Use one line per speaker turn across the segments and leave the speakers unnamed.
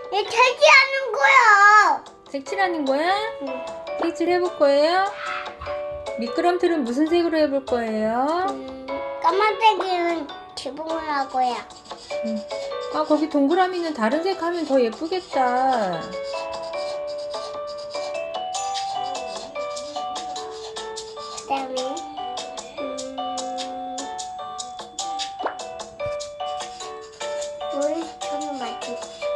얘 탈기하는 거야.
색칠하는 거야?
응.
색칠 해볼 거예요? 미끄럼틀은 무슨 색으로 해볼 거예요?
까만색은 지붕을 하고요.
아, 거기 동그라미는 다른 색 하면 더 예쁘겠다.
그다음에 물 저는 맞지.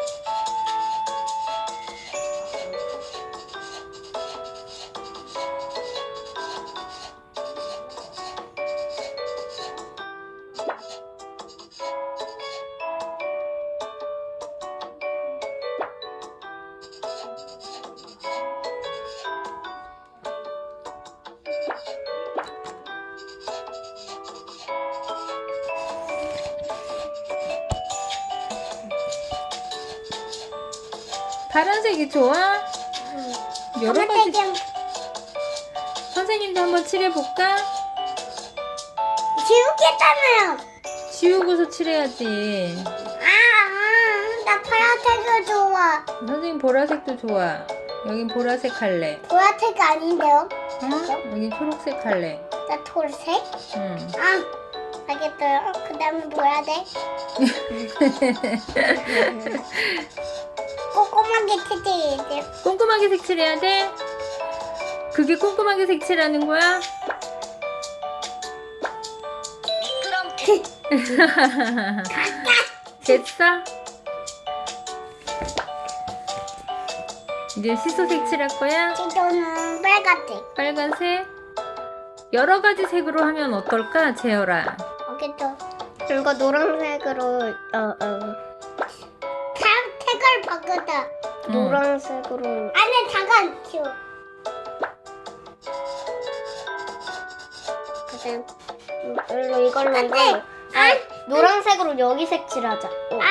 파란색이 좋아? 여러 가지.
까만색은
선생님도 한번 칠해볼까?
지우겠잖아요.
지우고서 칠해야지.
나 파란색이 좋아.
선생님 보라색도 좋아. 여긴 보라색 할래.
보라색 아닌데요?
응? 여긴 초록색 할래.
나 초록색?
응.
알겠어요. 그 다음에 뭐 해야 돼? 꼼꼼하게 칠해야 돼.
꼼꼼하게 색칠해야 돼? 그게 꼼꼼하게 색칠하는 거야? 됐어? 이제 시소 색칠할 거야?
지도는 빨간색.
빨간색? 여러 가지 색으로 하면 어떨까, 재열아?
알겠죠?
이거 노란색으로
색을 바꾸자.
노란색으로
안에 잠깐 치워.
그다음 이걸로
안 돼.
노란색으로 여기 색칠하자.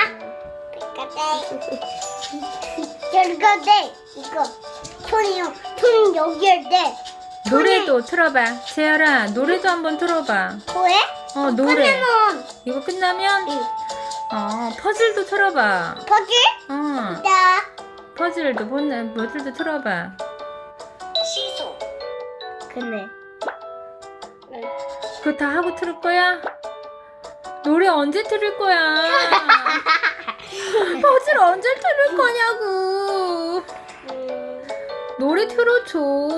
빨간색. 이거 돼. 이거. 손이요. 손 여기에 돼.
노래도 틀어봐. 재열아, 노래도 한번 틀어봐.
왜?
노래.
끝내면
이거 끝나면, 퍼즐도 틀어봐.
퍼즐? 나.
퍼즐도 틀어봐.
시소.
그네.
그거 다 하고 틀을 거야? 노래 언제 틀을 거야? 퍼즐 언제 틀을 거냐고. 노래 틀어줘.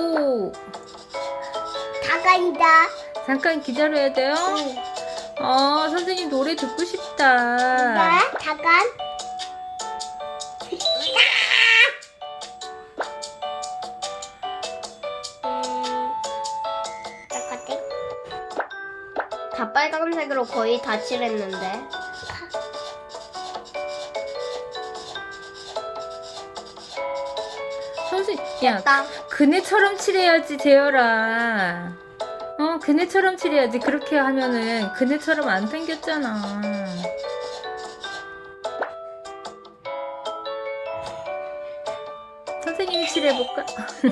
다가이다.
잠깐 기다려야 돼요? 선생님 노래 듣고 싶다.
잠깐.
다 빨간색으로 거의 다 칠했는데.
선생님, 야,
딱
그네처럼 칠해야지, 재열아. 그네처럼 칠해야지. 그렇게 하면은 그네처럼 안 생겼잖아. 선생님이 칠해볼까?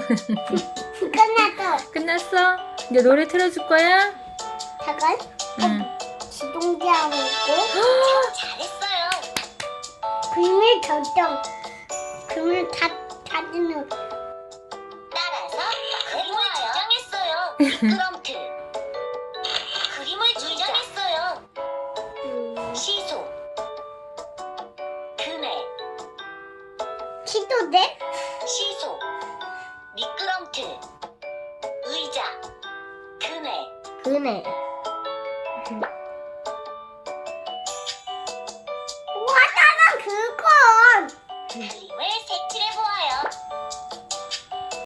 끝났어.
끝났어? 이제 노래 틀어줄 거야?
잠깐.
응.
지동대하고 있고.
잘했어요.
비밀 결정. 그림을 찾는.
따라서 그림을 지정했어요. 미끄럼틀. 그림을 지정했어요. 시소. 그네.
시도대?
시소. 미끄럼틀. 의자. 그네.
그네.
와, 나는 그건.
그림.